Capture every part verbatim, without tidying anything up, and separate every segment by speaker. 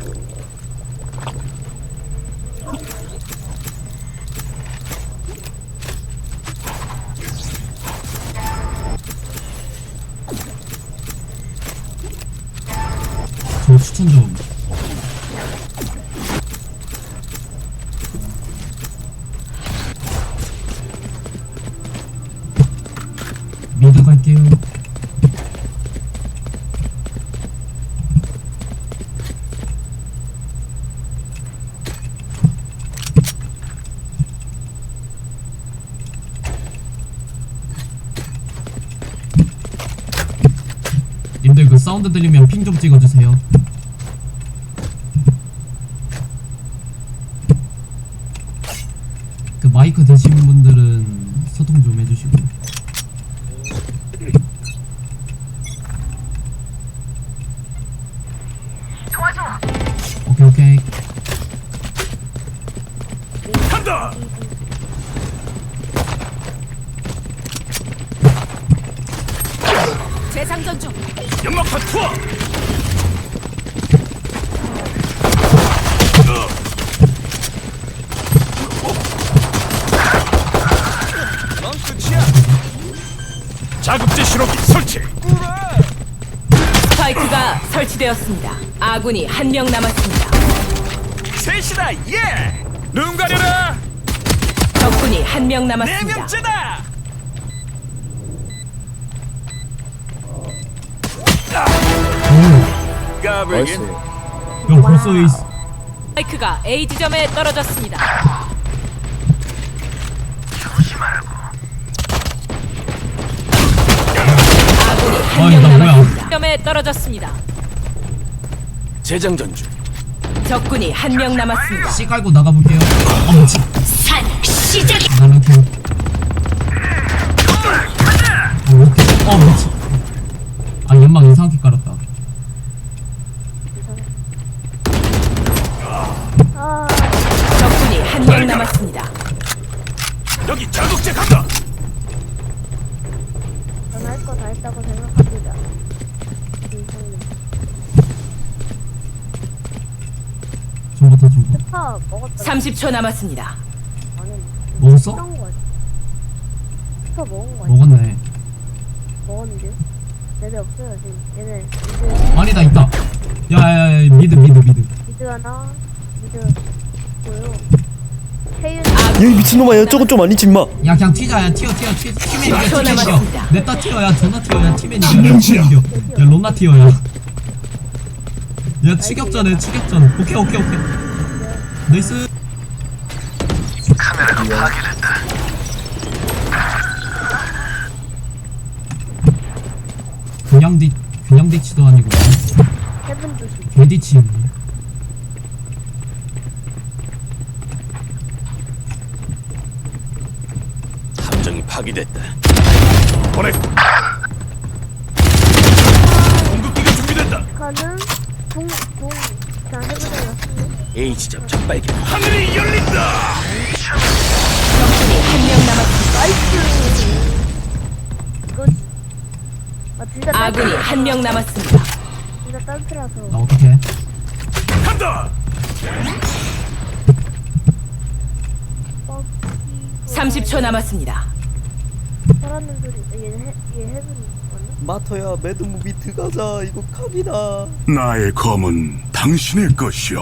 Speaker 1: 저 추천 좀. 미드 갈게요. 님들 그 사운드 들리면 핑 좀 찍어주세요. 그 마이크 드시는 분들은 소통 좀 해주시고. 오케이 오케이.
Speaker 2: 간다.
Speaker 3: 재장전 중.
Speaker 2: 연막탄 투하. 넌 끝이야. 자극제 신호기 설치.
Speaker 3: 스파이크가 설치되었습니다. 아군이 한 명 남았습니다.
Speaker 2: 셋이다. 예. 눈 가려라.
Speaker 3: 적군이 한 명
Speaker 2: 네
Speaker 3: 남았습니다.
Speaker 2: 명째다.
Speaker 1: 오.
Speaker 2: 까불긴.
Speaker 1: 야 벌써 에이스.
Speaker 3: 스파이크가 A 지점에 떨어졌습니다. 아군이 한
Speaker 1: 아니,
Speaker 3: 명
Speaker 1: 나 뭐야.
Speaker 3: 남았습니다. 지점에 떨어졌습니다.
Speaker 2: 재장전 중.
Speaker 3: 적군이 한 명 남았습니다.
Speaker 1: C 깔고 나가볼게요. 아 미친.
Speaker 3: 산 시작.
Speaker 1: 나는 킬. 어 오케이. 어 미친. 아 연막 이상하게 깔았다.
Speaker 3: 적군이 한 명 남았습니다.
Speaker 2: 여기 자극제 간다.
Speaker 4: 전 할 거 다 했다고 생각합니다. 이상님.
Speaker 1: 좀부터 좀부터.
Speaker 4: 스파 먹었다.
Speaker 3: 삼십 초 남았습니다.
Speaker 4: 안 했네.
Speaker 1: 먹었어?
Speaker 4: 먹은 거 같아. 스파 먹은 거 같아.
Speaker 1: 먹었네.
Speaker 4: 먹었는데? 얘네 없어요 지금. 얘네 미드,
Speaker 1: 아니다 있다. 야야야 미드 미드 미드.
Speaker 4: 미드 하나, 미드 있고요. 태윤
Speaker 5: 야, 이 미친놈아, 야, 저건 좀 아니지, 임마.
Speaker 1: 야 그냥 튀자. 야 튀어 튀어 튀어. 팀엔 이겨
Speaker 3: 십 초
Speaker 1: 팀엔 이겨.
Speaker 3: 남았습니다.
Speaker 1: 냅다 튀어. 야 존나 튀어. 야 팀엔 이겨. 야 팀엔 이겨. 야 롬나 튀어. 야. 야 추격전해 추격전. 오케이 오케이 오케이. 나이스. 그냥 뒤 그냥 뒤치도 아니고
Speaker 4: 헤븐 조심.
Speaker 1: 개뒤치.
Speaker 2: 함정이 파괴됐다. 보내고. 공급기가 준비된다.
Speaker 4: 카는 공, 공. 자, 헤븐에 왔습니다.
Speaker 2: A 지점 첫 발견. 하늘이 열린다.
Speaker 3: 적군이 한 명 남았습니다.
Speaker 4: 나이스! 이거지. 아, 둘 다
Speaker 3: 아군이
Speaker 4: 딸피라서.
Speaker 3: 한 명 남았습니다.
Speaker 4: 둘 다 딸피라서.
Speaker 1: 나 어떡해.
Speaker 2: 간다.
Speaker 4: 뻑이고.
Speaker 3: 삼십 초 남았습니다.
Speaker 4: 살았는 소리. 얘, 헤, 얘 헤븐 맞나?
Speaker 5: 마터야, 매드무비 들어가자. 이거 각이다.
Speaker 6: 나의 검은 당신의 것이오.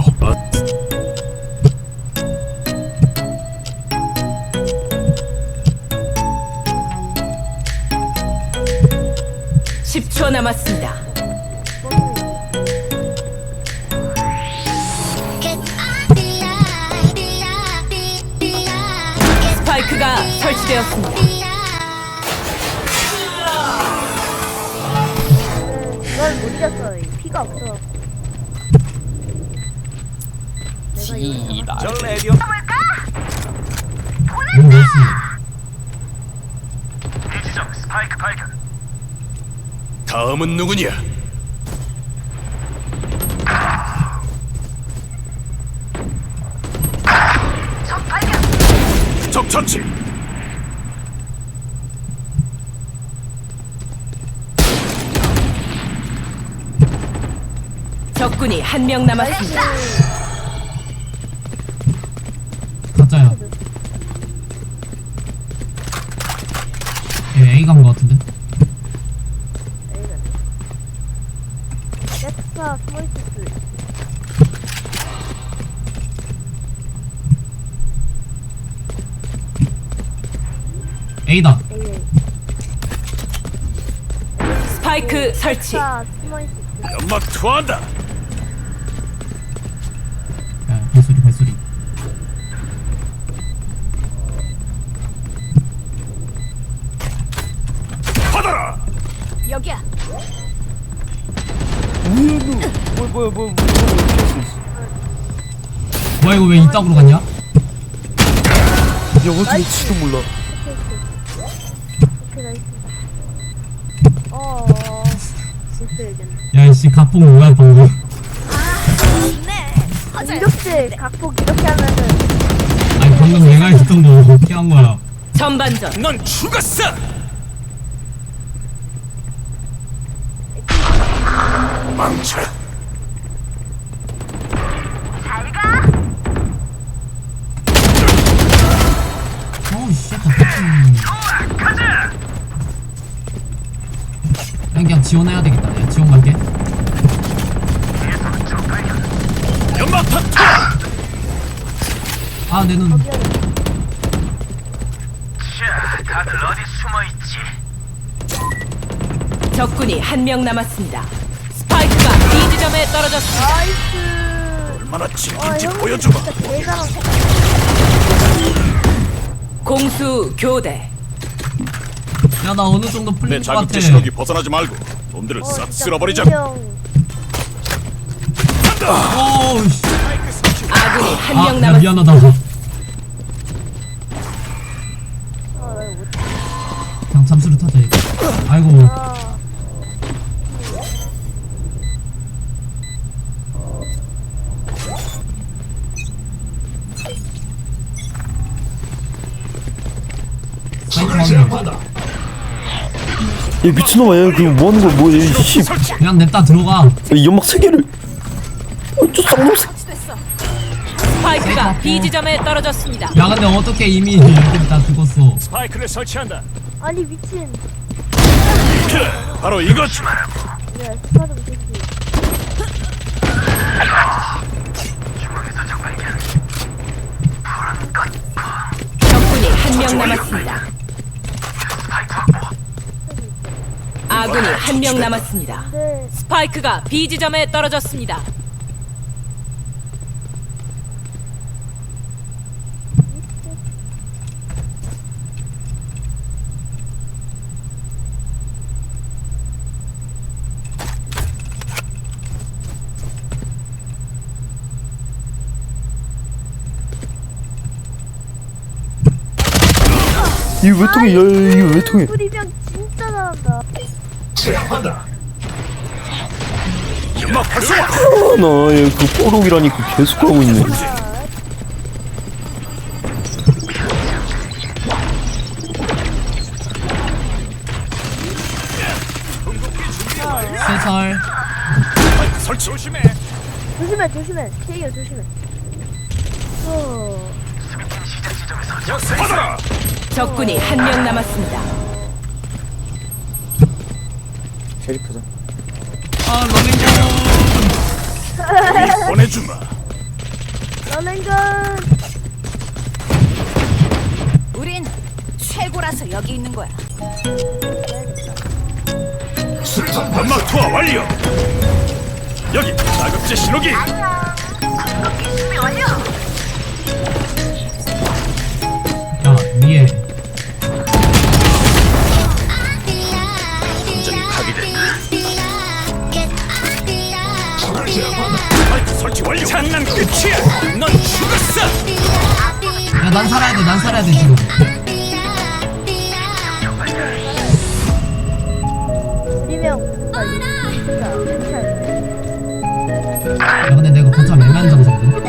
Speaker 3: 십 초 남았습니다. 스파이크가 설치되었습니다.
Speaker 4: 이걸 못 이겼어. 피가 없어갖고. 내가 이거
Speaker 2: 저 레디오.
Speaker 1: 오 나이스.
Speaker 2: 다음은 누구냐? 적 처치.
Speaker 3: 적군이 한 명 남았습니다.
Speaker 1: 가짜야. 얘 A 간 거 같은데?
Speaker 4: 넥스파 숨어있을 수 있어.
Speaker 1: A다.
Speaker 4: 에이 에이.
Speaker 3: 스파이크 설치.
Speaker 4: 넥스파 숨어있을 수 있어.
Speaker 2: 연막 투하한다.
Speaker 1: 야, 발소리, 발소리.
Speaker 2: 받아라.
Speaker 3: 여기야.
Speaker 5: 뭐야 뭐야 뭐야 뭐야
Speaker 1: 뭐야, 이거 왜 이따구로 갔냐?
Speaker 5: 야 어떻게 치도 몰라.
Speaker 4: 오케이 나이스. 어. 못되겠네.
Speaker 1: 야, 씨, 각폭 뭐야, 방금.
Speaker 4: 공격질 각폭 이렇게 하면은
Speaker 1: 아니, 방금 내가 했던 거 어떻게 한 거야?
Speaker 3: 전반전.
Speaker 2: 넌 죽었어.
Speaker 6: 망쳐.
Speaker 1: 어우, 씨, 각폭. 그냥 지원해야 되겠다. 내가 지원 갈게.
Speaker 2: 연막 터.
Speaker 1: 아, 내 눈.
Speaker 2: 다들 어디 숨어 있지?
Speaker 3: 적군이 한 명 남았습니다. 스파이크가 B 지점에 떨어졌습니다.
Speaker 4: 나이스.
Speaker 2: 얼마나
Speaker 4: 와
Speaker 2: 진긴지
Speaker 4: 형
Speaker 2: 보여줘봐.
Speaker 4: 진짜 대단한.
Speaker 3: 공수 교대.
Speaker 1: 야, 나 어느 정도
Speaker 2: 내
Speaker 1: 풀린 것 같아.
Speaker 2: 자국제 신호기 벗어나지 말고 놈들을
Speaker 4: 어,
Speaker 2: 싹
Speaker 4: 진짜
Speaker 2: 쓸어버리자.
Speaker 4: 분명.
Speaker 1: 어우, 씨.
Speaker 3: 아군이 한
Speaker 1: 아,
Speaker 3: 명
Speaker 1: 야,
Speaker 3: 남았습니다.
Speaker 1: 미안하다.
Speaker 4: 아, 나 이거 못해.
Speaker 1: 그냥 잠수를 타자, 이거. 아이고.
Speaker 4: 아.
Speaker 1: 사이트 확인.
Speaker 5: 야 미친놈아 얘 그거 뭐하는 거야 뭐야 얘 씨. 야,
Speaker 1: 그냥 냅다 들어가.
Speaker 5: 이 연막 세 개를. 어저 쌍놈 새.
Speaker 3: 스파이크가 B 지점에 떨어졌습니다.
Speaker 1: 야, 근데 어떻게 이미 애들이 다 죽었어.
Speaker 2: 스파이크를 설치한다.
Speaker 4: 아니 미친.
Speaker 2: 바로 이것.
Speaker 4: 네, 스파 좀 되지.
Speaker 3: 적군이 한 명 남았습니다. 아군이 한 명 남았습니다.
Speaker 4: 네.
Speaker 3: 스파이크가 B 지점에 떨어졌습니다.
Speaker 5: 이거 왜 통해? 야 이거 왜 통해?
Speaker 4: 뿌리병 진짜 잘한다.
Speaker 2: 연막 발사.
Speaker 5: 나얘그 뽀록이라니까 계속 하고 있네.
Speaker 1: 세살.
Speaker 2: 스파이크 설치. 조심해.
Speaker 4: 조심해 조심해. 태기야 조심해. 어.
Speaker 2: 받아라.
Speaker 3: 적군이 한 명 남았습니다.
Speaker 5: 셰리프다.
Speaker 1: 아, 러닝건.
Speaker 2: 보내주마.
Speaker 4: 러닝건.
Speaker 3: 우린 최고라서 여기 있는 거야.
Speaker 2: 연막 투하 완료. 여기 자국제 신호기.
Speaker 1: 야, 위에.
Speaker 2: 완전히 파괴됐다. 스파이크 설치 완료. 장난 끝이야. 넌 죽었어.
Speaker 1: 야, 난 살아야 돼, 난 살아야 돼, 지금.
Speaker 4: 뿌리병. 아 진짜 괜찮아.
Speaker 1: 야, 근데 내가 거참 애매한 장소거든.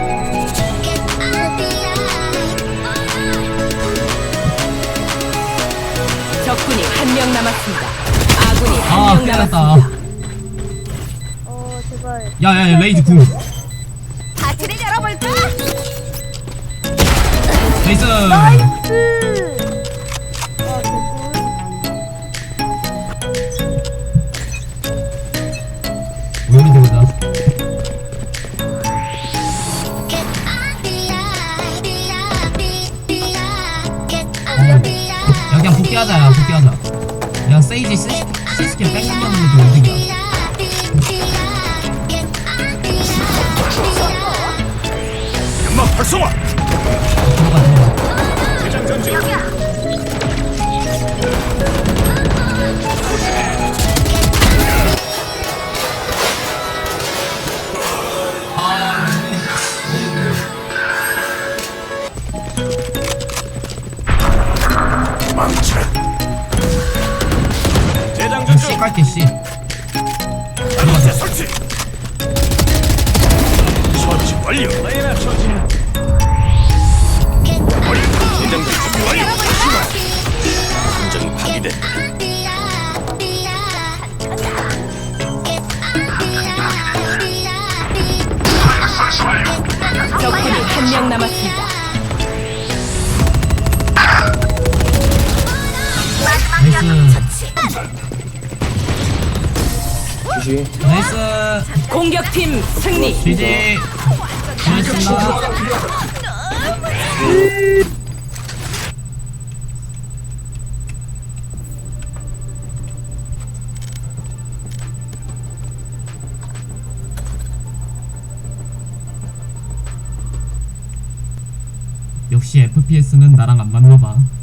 Speaker 3: 적군이 한 명 남았습니다. 아군이
Speaker 1: 아,
Speaker 3: 한 명
Speaker 1: 큰일
Speaker 3: 남았습니다.
Speaker 1: 났다.
Speaker 4: 어 제발.
Speaker 1: 야야야 레이지 궁
Speaker 4: 파티를 열어볼까?
Speaker 1: 나이스.
Speaker 4: 나이스. 아 개꿀.
Speaker 1: 우연히 되보자. 야 그냥 복귀하자. 야 복귀하자. 야 세이지 시, 시스킬 뺑뺑 넣는 것도 이득이야.
Speaker 2: 연막 활성화.
Speaker 1: 들어가 들어가.
Speaker 2: 대장전 중.
Speaker 6: 망쳐.
Speaker 2: 대장전
Speaker 1: C
Speaker 2: 중.
Speaker 1: 깔게 C.
Speaker 2: 반도체 설치. 처치 완료. 레이나 처치. 완료. 대장전 준비 완료. 함정이 파괴됐다.
Speaker 3: 적군이 한 명 남았습니다.
Speaker 1: 나이스. 나이스.
Speaker 3: 공격팀 승리.
Speaker 1: 지지. 고맙습니다. 역시 에프피에스는 나랑 안 맞나봐.